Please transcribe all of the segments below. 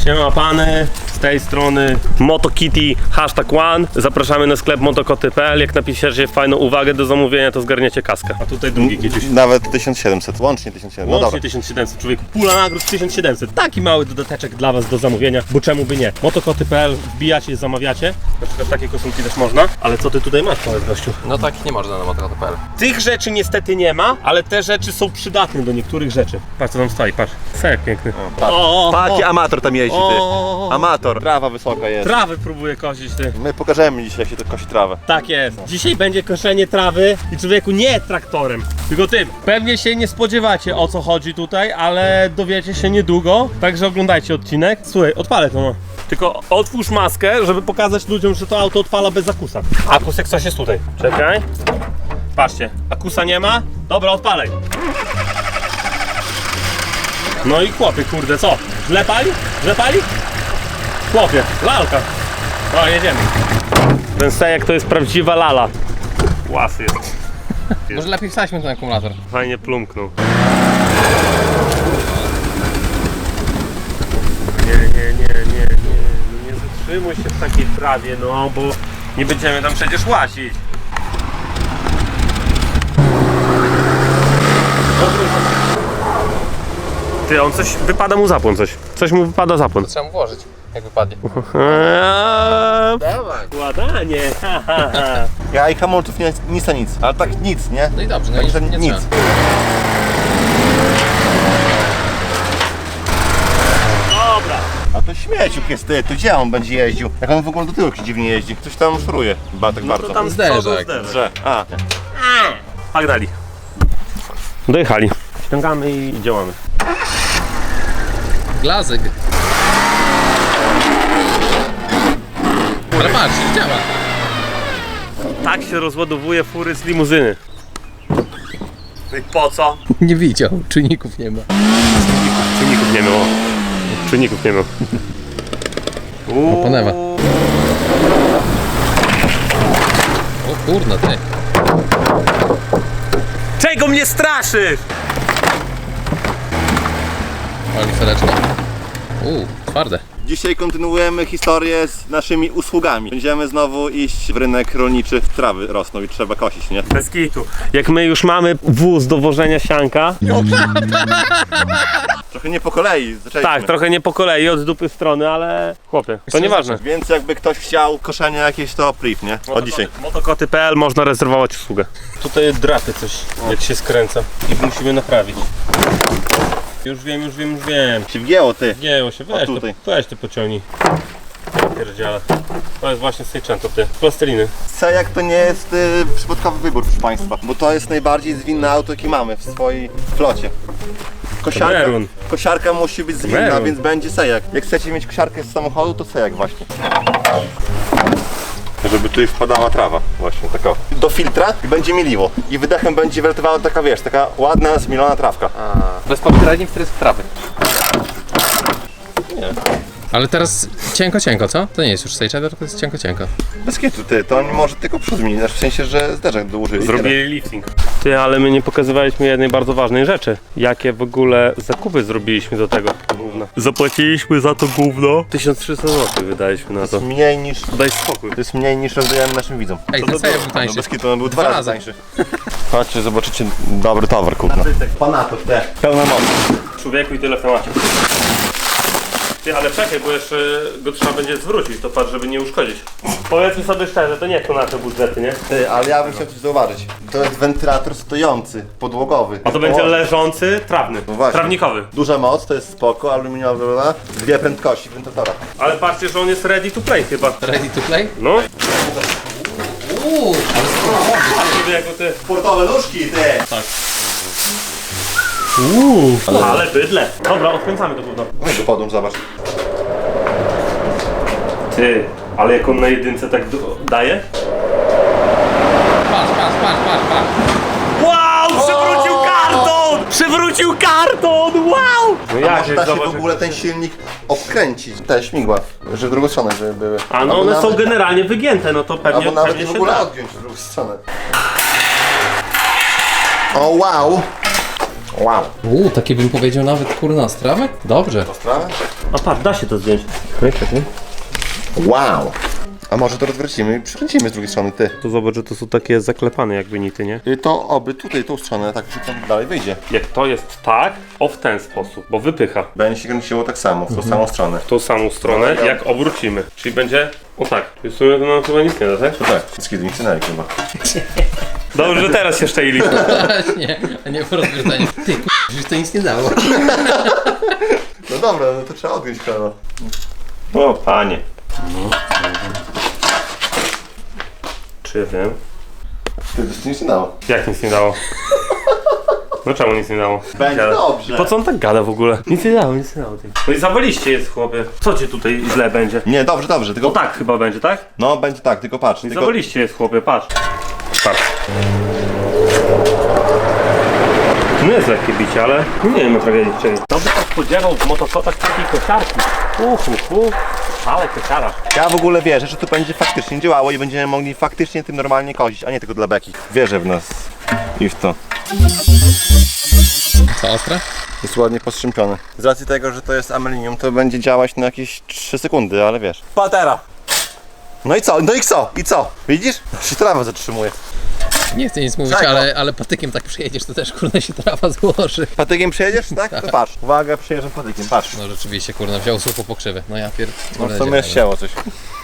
Siema pany, z tej strony MotoKitty #1. Zapraszamy na sklep motokoty.pl. Jak napiszecie fajną uwagę do zamówienia, to zgarniecie kaskę. A tutaj drugi kiedyś. Nawet 1700, łącznie 1700. No Łącznie dobra. 1700, człowieku. Pula nagród 1700. Taki mały dodateczek dla was do zamówienia, bo czemu by nie? Motokoty.pl, wbijacie, zamawiacie. Na przykład takie koszulki też można. Ale co ty tutaj masz, powiedz gościu? No tak nie można na motokoty.pl. Tych rzeczy niestety nie ma, ale te rzeczy są przydatne do niektórych rzeczy. Patrz co tam stoi, patrz. Sejak piękny. Taki amator tam jeździ, ty. O, Amator. Trawa wysoka jest. trawy próbuję kosić, ty. My pokażemy dzisiaj, jak się to kosi trawę. Tak jest. Dzisiaj będzie koszenie trawy i człowieku nie traktorem, tylko tym. Pewnie się nie spodziewacie, o co chodzi tutaj, ale dowiecie się niedługo, także oglądajcie odcinek. Słuchaj, odpalę to no. Tylko otwórz maskę, żeby pokazać ludziom, że to auto odpala bez akusa. Akus jak coś jest tutaj. Czekaj. Patrzcie, akusa nie ma? Dobra, odpalaj. No i chłopie, kurde, co? Źle pali? Źle pali? Chłopie, lalka. No, jedziemy. Ten sejak to jest prawdziwa lala. Łasy jest. Może lepiej wsadźmy ten akumulator. Fajnie plumknął. Nie zatrzymuj się w takiej trawie, no bo nie będziemy tam przecież łazić. Ty, on coś, wypada mu zapłon coś. Coś mu wypada zapłon. Trzeba mu włożyć, jak wypadnie. Dawaj. Ładanie. Ja i hamulców nie, nic a nic. Ale tak nic, nie? No i dobrze, no Także nie nic. trzeba. Dobra. A to śmieciuk jest, ty. To gdzie on będzie jeździł? Jak on w ogóle do tyłu jakiś dziwnie jeździ? Coś tam szuruje. Chyba tak bardzo. To tam Zderzak. Że. A. Pograli. Dojechali. Ściągamy i działamy. Glazyk. Ale patrz, działa. Tak się rozładowuje fury z limuzyny. No i po co? Nie widział, czujników nie ma. Czujników nie miał. Czujników nie miał. Oponewa. O kurna ty. Czego mnie straszysz? Ale lustereczko. Twarde. Dzisiaj kontynuujemy historię z naszymi usługami. Będziemy znowu iść w rynek rolniczy. Trawy rosną i trzeba kosić, nie? Bez kitu. Jak my już mamy wóz do wożenia sianka, Trochę nie po kolei. Zaczęliśmy. tak, trochę nie po kolei, od dupy strony, ale chłopie, to nieważne. Więc jakby ktoś chciał koszenie jakieś, to priv, nie? Od dzisiaj. Motokoty.pl można rezerwować usługę. Tutaj drapie coś, jak się skręca i musimy naprawić. Już wiem. Się wgięło, ty. Gięło się, weź to pociągnij. Pierdziele. To jest właśnie Seicento, ty. Plasteliny. Sejak to nie jest przypadkowy wybór, proszę Państwa, bo to jest najbardziej zwinne auto, jakie mamy w swojej flocie. Merun. Kosiarka musi być zwinna, Merun. więc będzie Sejak. Jak chcecie mieć kosiarkę z samochodu, to Sejak właśnie. Żeby tutaj wpadała trawa, właśnie taka. Do filtra i będzie mieliło. I wydechem będzie wylatywała taka, wiesz, taka ładna, zmielona trawka. Bez popierania w trawy. Ale teraz cienko, co? To nie jest już Sage, tylko jest cienko. Bez kitu, ty, to oni może tylko przód zmienić, w sensie, że zderzak dołożyli. Zrobili lifting. Ty, ale my nie pokazywaliśmy jednej bardzo ważnej rzeczy. Jakie w ogóle zakupy zrobiliśmy do tego gówna. Zapłaciliśmy za to gówno 1300 zł wydaliśmy na to. Mniej niż. Daj spokój. To jest mniej niż rozdajemy naszym widzom. Ej, ten Sage był tańszy. Bez kitu, on był dwa Dwa razy razy. tańszy. Chodźcie, zobaczycie dobry towar, kupno. Panatów, te. Pełna moc. Człowieku i tyle w temacie. Ty, ale czekaj, bo jeszcze go trzeba będzie zwrócić, to patrz, żeby nie uszkodzić. Powiedzmy sobie szczerze, to nie to nasze budżety, nie? Ty, ale ja bym chciał coś zauważyć. To jest wentylator stojący, podłogowy. A to będzie leżący, trawny, No właśnie. trawnikowy. Duża moc, to jest spoko, aluminiowa, dwie prędkości wentylatora. Ale patrzcie, że on jest ready to play chyba. Ready to play? No. Ale Jako ty. Sportowe nóżki, ty! Tak. Ale bydle. Dobra, odkręcamy to gówno. No i go podłącz, zobacz. Ty, ale jak on na jedynce tak daje? patrz. Wow, przywrócił karton! Przywrócił karton, wow! No A może da się w ogóle ten silnik obkręcić, te śmigła, że w drugą stronę, żeby były. A no Albo one są nawet- generalnie wygięte, no to pewnie, Albo nawet pewnie w się ogóle da. odgiąć w drugą stronę. O wow! Wow. Takie bym powiedział nawet kurna strawy? Dobrze. Sprawę? A patrz, da się to zdjąć. Wow. A może to odwrócimy i przykręcimy z drugiej strony, ty. To zobacz, że to są takie zaklepane jakby nity, nie? To oby tutaj, tą stronę, tak, że tam dalej wyjdzie. Jak to jest tak, w ten sposób, bo wypycha. Będzie się kręciło tak samo, w tą samą stronę. W tą samą stronę, jak obrócimy. Czyli będzie, o tak. Czyli w sumie to nam chyba nic nie da, tak? To tak, wszystkie dźwięki chyba. Dobrze, że teraz się szczęli. Właśnie, a nie po rozwiązaniu. Ty już to nic nie dało. No dobra, no to trzeba odjąć kolano. O, panie. Czy ja wiem? Ty, to nic nie dało. Jak nic nie dało? No czemu nic nie dało? Będzie Gada. dobrze. Po co on tak gada w ogóle? Nic nie dało, nic nie dało. No i zawaliście jest, chłopie. Co ci tutaj źle będzie? Nie, dobrze, dobrze, tylko... No tak chyba będzie, tak? No, będzie tak, tylko patrz. I Tylko... zawaliście jest, chłopie, patrz. Patrz. To nie jest lekkie bicie, ale nie wiem o tragedii czego. Kto by się spodziewał w motokotach takiej kosiarki? Ale kosiara. Ja w ogóle wierzę, że to będzie faktycznie działało i będziemy mogli faktycznie tym normalnie kozić, a nie tylko dla beki. Wierzę w nas i w to. Co, ostre? Jest ładnie postrzępiony. Z racji tego, że to jest amelinium, to będzie działać na jakieś 3 sekundy, ale wiesz. Patera! No i co? No i co? I co? Widzisz? Się trawa zatrzymuje. Nie chcę nic mówić, Czego? ale patykiem tak przyjedziesz, to też kurna się trawa złoży. Patykiem przejedziesz, tak? To patrz. Uwaga, przejeżdżam patykiem, patrz. No rzeczywiście kurna, wziął słup po krzywy. No ja No pierdolę. w sumie chciało coś.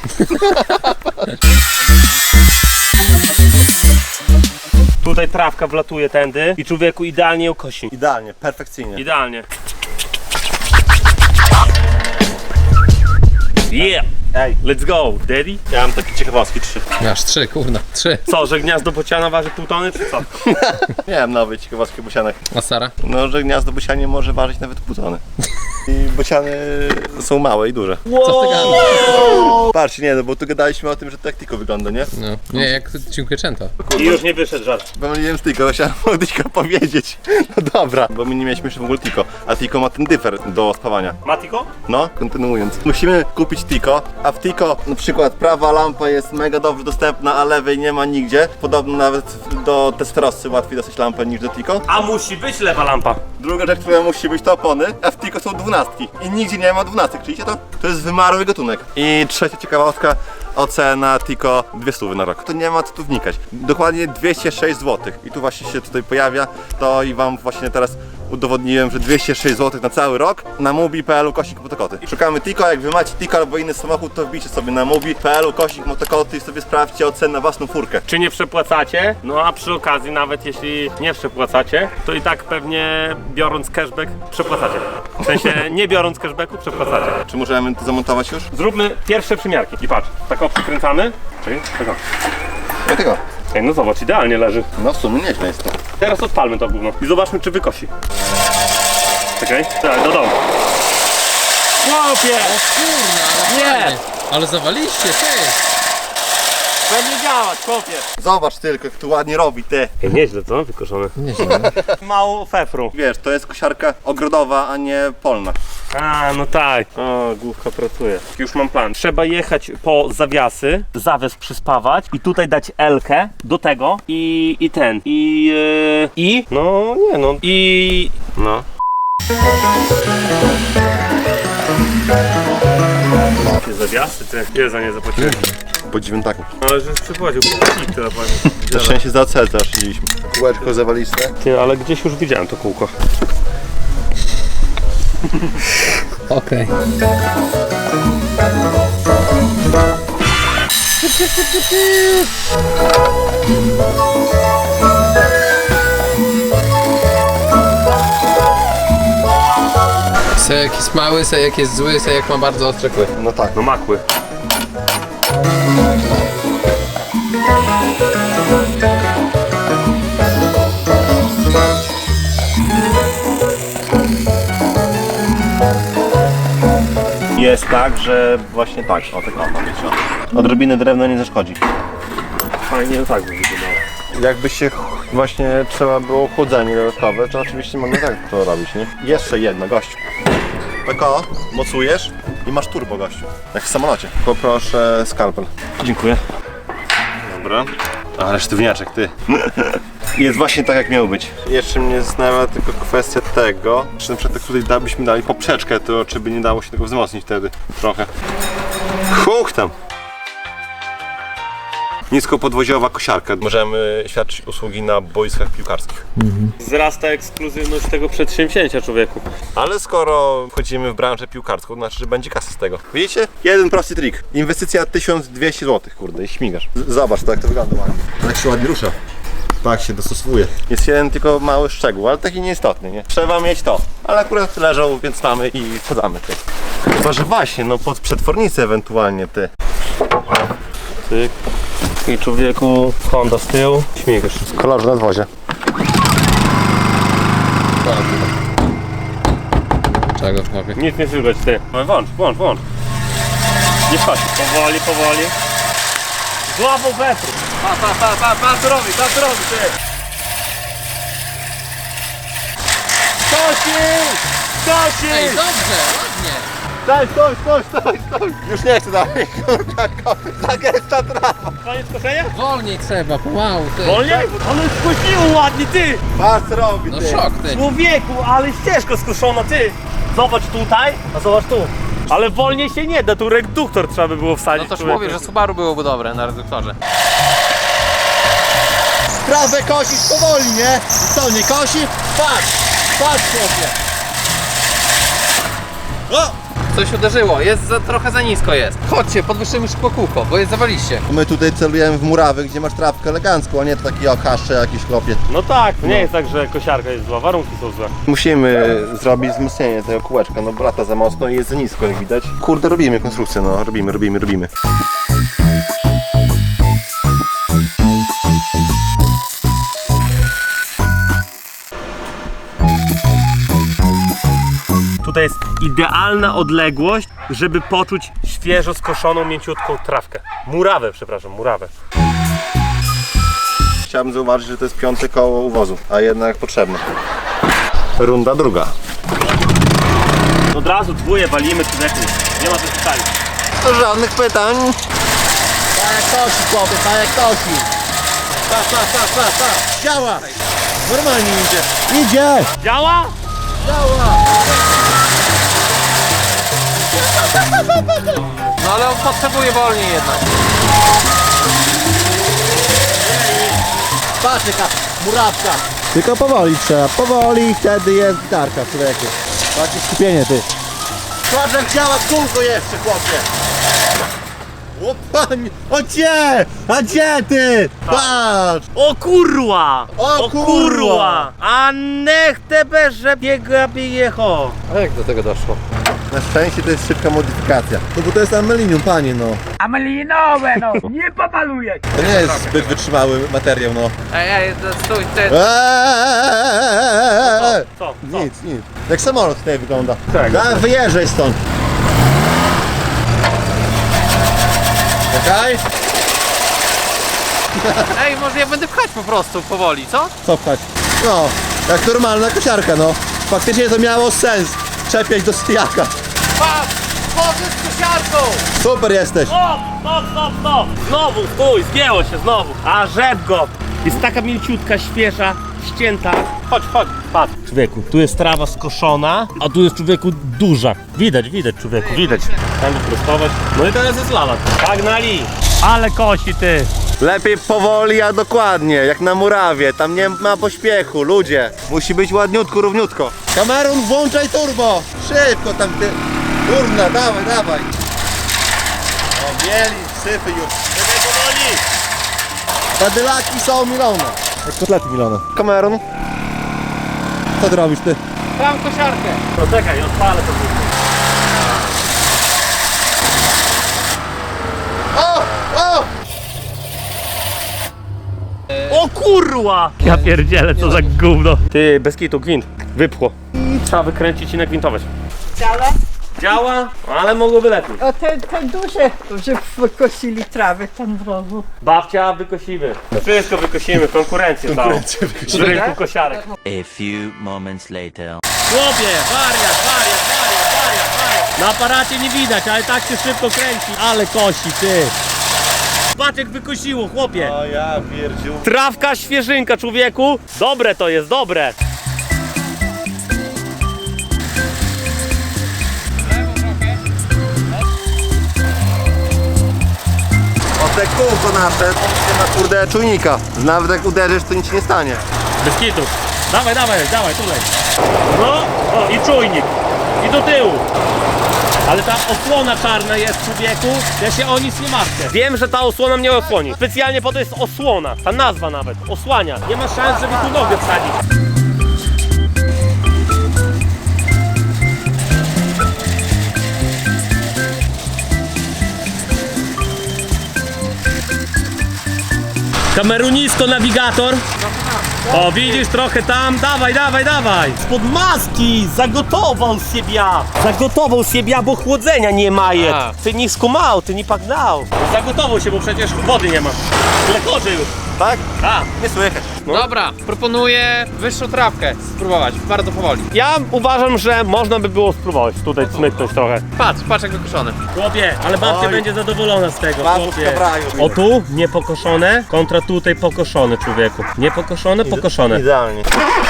Tutaj trawka wlatuje tędy i człowieku idealnie ją kosi. Idealnie, perfekcyjnie. Idealnie. Yeah! Ej, Let's go, daddy. ja mam takie ciekawostki 3. Masz 3, kurna, 3. Co, że gniazdo bociana waży pół tony, czy co? Miałem nowe ciekawostki o bocianach. A Sara? No, że gniazdo bocianie może ważyć nawet pół tony. I bociany są małe i duże. Co ty gadasz? Patrzcie, nie no, bo tu gadaliśmy o tym, że tak Tiko wygląda, nie? No. Nie, jak Cinquecento. I już nie wyszedł żart. Pomyliłem z Tiko, chciałem o Tiko powiedzieć. No dobra, bo my nie mieliśmy jeszcze w ogóle Tiko, a Tiko ma ten dyfer do spawania. Matiko? No, kontynuując. Musimy kupić Tiko, a w Tiko na przykład prawa lampa jest mega dobrze dostępna, a lewej nie ma nigdzie. Podobno nawet do Testerosy łatwiej dostać lampę niż do Tiko. A musi być lewa lampa. Druga rzecz, która musi być to opony, a w Tiko są 12 i nigdzie nie ma 12, czujecie to? To jest wymarły gatunek. I trzecia ciekawostka, ocena Tiko 200 na rok. To nie ma co tu wnikać. Dokładnie 206 zł. I tu właśnie się tutaj pojawia to i wam właśnie teraz udowodniłem, że 206 zł na cały rok na mubi.pl kośnik motokoty. Szukamy Tiko, jak wy macie Tiko albo inny samochód, to wbijcie sobie na mubi.pl kośnik motokoty i sobie sprawdźcie ocenę na własną furkę. Czy nie przepłacacie? No a przy okazji, nawet jeśli nie przepłacacie, to i tak pewnie biorąc cashback przepłacacie. W sensie nie biorąc cashbacku przepłacacie. Czy możemy to zamontować już? Zróbmy pierwsze przymiarki. I patrz, tak o przykręcamy. Czekaj, tak o. Ja tego. Ej, no zobacz, idealnie leży. No w sumie nieźle jest to. Teraz odpalmy to gówno i zobaczmy, czy wykosi. Czekaj, tak, do domu. Chłopie! Kurna, ale Nie! fajnie. Ale zawaliście, ty! Pewnie działać, chłopie! Zobacz tylko, jak tu ładnie robi, ty. Ej, nieźle to, wykoszone. Nieźle. Mało fefru. Wiesz, to jest kosiarka ogrodowa, a nie polna. A, no tak. O, główka pracuje. Już mam plan. Trzeba jechać po zawiasy, zawias przyspawać i tutaj dać L-kę do tego i ten. No, nie no. No. Jakie zawiasy, ty. Ile za nie zapłaciłeś? Po 9 taku. Ale że przypłacił, bo tyle płacił. Na szczęście za OCL też szliśmy. Kółeczko zawaliste. Ty, ale gdzieś już widziałem to kółko. Okej. Sejek jest mały, sejek jest zły, sejek ma bardzo ostre kły. No tak. No makły. Jest tak, że właśnie tak. O, tak ma być. Odrobiny drewna nie zaszkodzi. Fajnie, tak by wyglądało. Jakby się właśnie trzeba było chłodzenie dodatkowe, to oczywiście mogę tak to robić, nie? Jeszcze jedno, gościu. PKO, mocujesz i masz turbo, gościu. Jak w samolocie. Poproszę skalpel. Dziękuję. Dobra. Ale sztywniaczek, ty. Jest właśnie tak, jak miało być. Jeszcze mnie zastanawia tylko kwestia tego, czy na przykład tutaj byśmy dali poprzeczkę, to czy by nie dało się tego wzmocnić wtedy trochę. Huk tam! Niskopodwoziowa kosiarka. Możemy świadczyć usługi na boiskach piłkarskich. Wzrasta ekskluzywność tego przedsięwzięcia, człowieku. Ale skoro wchodzimy w branżę piłkarską, to znaczy, że będzie kasa z tego. Widzicie? Jeden prosty trik. Inwestycja 1200 zł, kurde, i śmigasz. Zobacz to, jak to wygląda ładnie. Jak się ładnie rusza. Tak się dostosowuje. Jest jeden tylko mały szczegół, ale taki nieistotny, nie? Trzeba mieć to. Ale akurat leżą, więc mamy i wsadzamy ty. Chyba, że właśnie, no pod przetwornicę ewentualnie ty. Tyk. I człowieku, Honda z tyłu. Śmigasz. W kolorze nadwozia. Czego w chłopie? Nic nie słychać, ty. No włącz. Nie wchodź. Powoli. Złapał Petru. Pa, co robi, ty. Kosi! Ej, dobrze, ładnie! Stój! Już nie chcę dalej, kurwa, zagęsta trawa. Koniec koszenia? Wolniej trzeba, pomału, ty. Wolniej? Ale skosiło ładnie, ty. Patrz co robi, No ty. szok, ty. Człowieku, ale ścieżko skuszona, ty. Zobacz tutaj, a zobacz tu. Ale wolniej się nie da, tu reduktor trzeba by było No wsadzić. toż człowieku. mówię, że Subaru byłoby dobre na reduktorze. Trawę kosisz powoli, nie? Co, nie kosi? Patrz chłopie. O! Coś uderzyło, trochę za nisko jest. Chodźcie, podwyższymy szybko kółko, bo jest zawaliście. My tutaj celujemy w murawy, gdzie masz trawkę elegancką, a nie taki okaszcze jakiś chłopie. No tak, to nie jest tak, że kosiarka jest zła, warunki są złe. Musimy zrobić wzmocnienie tego kółeczka, no bo lata za mocno i jest za nisko, jak widać. Kurde, robimy konstrukcję, no robimy. Tutaj jest idealna odległość, żeby poczuć świeżo skoszoną, mięciutką trawkę. Murawę. Chciałbym zauważyć, że to jest 5. koło uwozu, a jednak potrzebne. Runda druga. Od razu dwóje walimy, człowieku. Nie ma co pytania. To żadnych pytań. Tak jak kosi, chłopie, tak jak kosi. Pa. Działa. Normalnie idzie. Działa? No ale on potrzebuje wolniej jednak. Patrz jaka murawka. Tylko powoli trzeba, powoli, wtedy jest gitarka, człowieku. Patrz skupienie, ty. Patrz jak działa kółko jeszcze, chłopie. O panie, a gdzie ty? Patrz. O kurwa! O kurwa! A niech tebe, że biega jecho! A jak do tego doszło? Na szczęście to jest szybka modyfikacja. No bo to jest amelinium, panie, no. Amelinowe, no, nie pomaluję. To nie jest zbyt wytrzymały materiał, no. Ej, stój, ty. Co? Nic. Jak samolot tutaj wygląda. Tak. Wyjeżdżaj stąd. Czekaj. Ej, może ja będę pchać po prostu powoli, co? Co pchać? No, jak normalna kosiarka, no. Faktycznie to miało sens. Czepiać do stijaka. Patrz! Może z kosiarką! Super jesteś. Stop! Znowu, stój, zgięło się znowu. A rzep go! Jest taka mięciutka, świeża, ścięta. Chodź, patrz. Człowieku, tu jest trawa skoszona, a tu jest człowieku duża. Widać człowieku, widać. Tam wyprostować. No i teraz jest lala. Pagnali! Ale kosi ty! Lepiej powoli, a dokładnie, jak na murawie. Tam nie ma pośpiechu, ludzie. Musi być ładniutko, równiutko. Kamerun, włączaj turbo. Szybko tam ty. Kurna, dawaj. O, mieli, syfy już. Czekaj powoli! Badylaki są milone. Jak kotlety milone. Kamerun. Co ty robisz, ty? Mam kosiarkę. No czekaj, odpalę to. O! O kurwa! Ja pierdzielę, co za gówno. Ty, bez kitu, gwint. Wypchło. Trzeba wykręcić i nagwintować. Działa? Działa, ale mogłoby lepiej. A te duże, że wykosili trawę tam w rogu. Babcia, wykosimy. Wszystko wykosimy, konkurencję całą. W rynku kosiarek. A few moments later. Chłopie, wariat. Na aparacie nie widać, ale tak się szybko kręci. Ale kosi, ty. patrz jak wykosiło, chłopie. O ja pierdziu. Trawka świeżynka, człowieku. Dobre to jest, dobre. O te kółko nasze, to nie ma kurde czujnika. Nawet jak uderzysz, to nic się nie stanie. Bez kitu. Dawaj, dawaj, dawaj, tutaj. No, o i czujnik. I do tyłu. Ale ta osłona czarna jest, człowieku, ja się o nic nie martwię. Wiem, że ta osłona mnie osłoni. Specjalnie po to jest osłona, ta nazwa nawet, osłania. Nie ma szans, żeby tu nogę wsadzić. Kamerunisko, nawigator. O, widzisz, trochę tam, dawaj, dawaj, dawaj. Spod maski zagotował siebie. Zagotował siebie, bo chłodzenia nie ma. A. Ty nie skumał, ty nie pagnał. Zagotował się, bo przecież wody nie ma. Lekorzy już. Tak? A. Nie słychać. Dobra, proponuję wyższą trawkę spróbować, bardzo powoli. Ja uważam, że można by było spróbować tutaj cmyknąć trochę. Patrz jak wykoszony. Chłopie, ale babcia Oj. będzie zadowolona z tego, Babuszka chłopie. w raju. O tu niepokoszone kontra tutaj pokoszone, człowieku. Niepokoszone, pokoszone. Idealnie.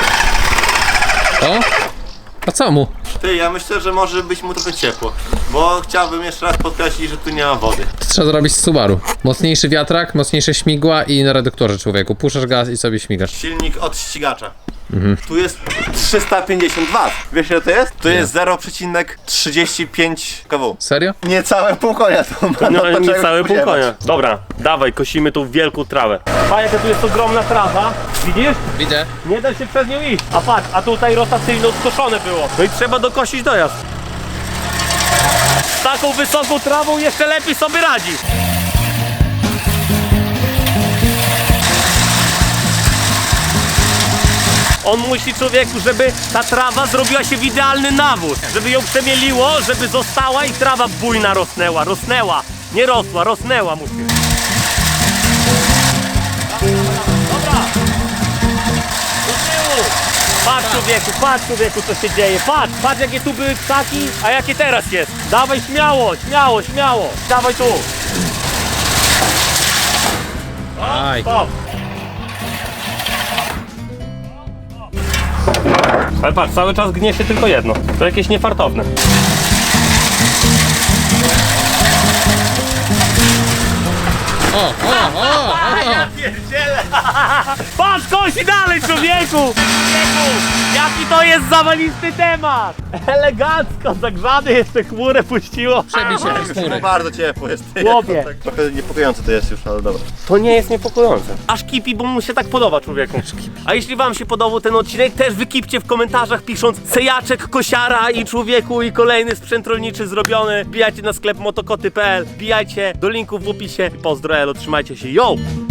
O? A co mu? Ty, ja myślę, że może być mu trochę ciepło. Bo chciałbym jeszcze raz podkreślić, że tu nie ma wody. To trzeba zrobić z Subaru. Mocniejszy wiatrak, mocniejsze śmigła i na reduktorze, człowieku. Puszczasz gaz i sobie śmigasz. Silnik od ścigacza. Tu jest 350 W. Wiesz ile to jest? To jest 0,35 kW. Serio? Niecałe pół konia to ma. No to nie czego cały pół spodziewać. konia. Dobra, dawaj, kosimy tu wielką trawę. A jaka tu jest ogromna trawa, widzisz? Widzę. Nie da się przez nią iść. A patrz, a tutaj rotacyjno skoszone było. No i trzeba dokosić dojazd. Z taką wysoką trawą jeszcze lepiej sobie radzi. On musi, człowieku, żeby ta trawa zrobiła się w idealny nawóz. Żeby ją przemieliło, żeby została i trawa bujna rosnęła. Rosnęła. Nie rosła, rosnęła musi. Dobra. Do tyłu. Patrz człowieku, co się dzieje. Patrz jakie tu były ptaki, a jakie teraz jest. Dawaj śmiało, śmiało, śmiało. Dawaj tu. Aj. Stop. Ale patrz, cały czas gnie się tylko jedno. To jakieś niefartowne. O! Pierdziele! Patrz, kosi dalej, człowieku! Jaki to jest zawalisty temat! Elegancko, zagrzany jeszcze chmurę puściło. Przebij się No chmury. bardzo ciepło jest. Chłopie. Tak trochę niepokojące to jest już, ale dobra. To nie jest niepokojące. Aż kipi, bo mu się tak podoba, człowieku. A jeśli wam się podobał ten odcinek, też wykipcie w komentarzach pisząc Sejaczek, kosiara i człowieku i kolejny sprzęt rolniczy zrobiony. Wbijajcie na sklep motokoty.pl, wbijajcie do linków w opisie. Pozdro, elo, trzymajcie się, yo!